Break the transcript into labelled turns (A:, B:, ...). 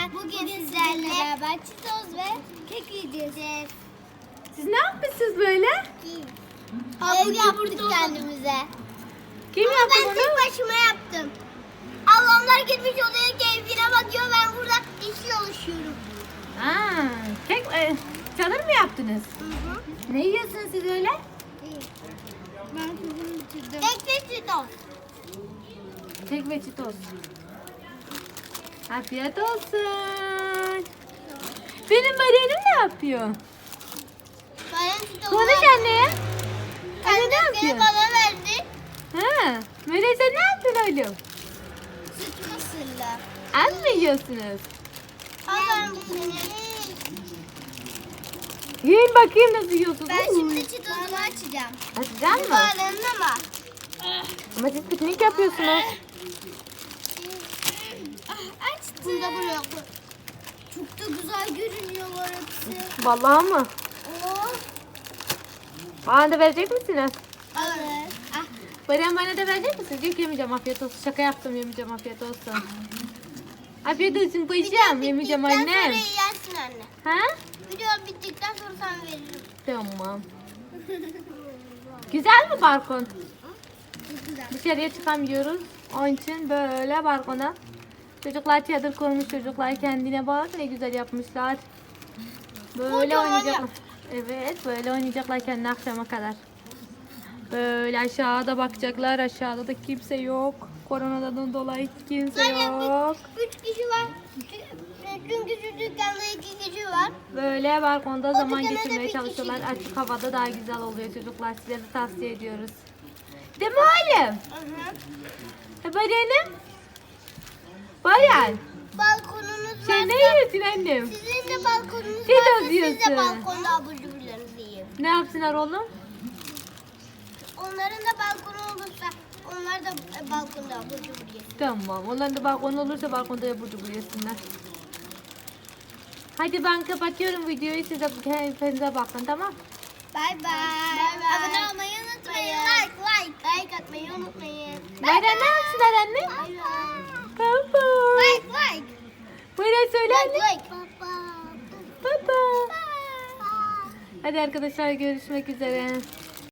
A: Bugün sizlerle beraber çitoz ve kek yiyeceğiz.
B: Siz ne yapmışsınız böyle?
A: Ev yaptık kendimize.
B: Kim
A: Ama
B: yaptı
A: ben
B: bunu?
A: tek başıma yaptım. Ablamlar gitmiş odaya keyfine bakıyor. Ben burada iş çalışıyorum.
B: Aa, kek, çadır mı yaptınız? Ne yiyorsunuz siz öyle?
A: Ben kızımı bitirdim. Kek ve çitoz.
B: Kek ve çitos. Afiyet olsun. Benim Maria'nım ne yapıyor?
A: Ben çitozu
B: Konuş anneye. Anne ne
A: kendisi
B: yapıyor?
A: bana verdi.
B: Ha, Maria sen ne yaptın oğlum?
A: Süt mısırlı.
B: Az mı yiyorsunuz?
A: Al ben bu senin.
B: Yiyin bakayım nasıl yiyorsunuz.
A: Ben şimdi çitozumu açacağım.
B: Açacak mı?
A: Bağlarında mı?
B: Ama siz piknik yapıyorsunuz.
A: Açtım. Bunda buraya koy. Çok da güzel görünüyorlar hepsi.
B: Vallahi mı?
A: Oh.
B: Bana da verecek misiniz?
A: Alır. Ah.
B: Bana da verecek misiniz? Yok yemeyeceğim, afiyet olsun. Şaka yaptım, yemeyeceğim, afiyet olsun. Afiyet olsun paşam, yemeyeceğim
A: Bittikten
B: annem.
A: sonra yersin anne.
B: Ha?
A: Video bittikten sonra sana veririm.
B: Tamam. Güzel mi balkon?
A: Çok güzel.
B: Dışarıya çıkamıyoruz. Onun için böyle balkona. Çocuklar çadır kurmuş, çocuklar kendine bak ne güzel yapmışlar. Böyle
A: Kocaman
B: oynayacaklar.
A: yap.
B: Evet, böyle oynayacaklar kendi akşama kadar. Böyle aşağıda bakacaklar. Aşağıda da kimse yok. Koronadan dolayı kimse yok.
A: 3 kişi var. Çünkü şu dükkanda 2 kişi var.
B: Böyle balkonda zaman
A: dükkana da
B: geçirmeye
A: bir
B: çalışıyorlar.
A: kişi
B: Açık havada daha güzel oluyor çocuklar. Size de tavsiye ediyoruz. Değil mi oğlum? Bayanım. Bayan.
A: Balkonunuz
B: Sen ne
A: varsa
B: yiyorsun annem?
A: sizin de balkonunuz
B: Çitoz
A: varsa siz
B: yiyorsun.
A: de balkonda abur cuburlarınızı yiyin.
B: Ne yapsınlar oğlum?
A: Onların da balkonu olursa onlar da balkonda abur cubur yesin.
B: Tamam. Onların da balkon olursa balkonda yapıcı yesinler. Hadi ben kapatıyorum videoyu. Siz de kendinize bakın, tamam?
A: Bay bay. Abone olmayı unutmayın. Like atmayı unutmayın.
B: Bayram ne yapsınlar anne?
A: Bay bay.
B: Baba.
A: Like.
B: Bayram söyle anne.
A: Like.
B: Baba. Hadi arkadaşlar görüşmek üzere.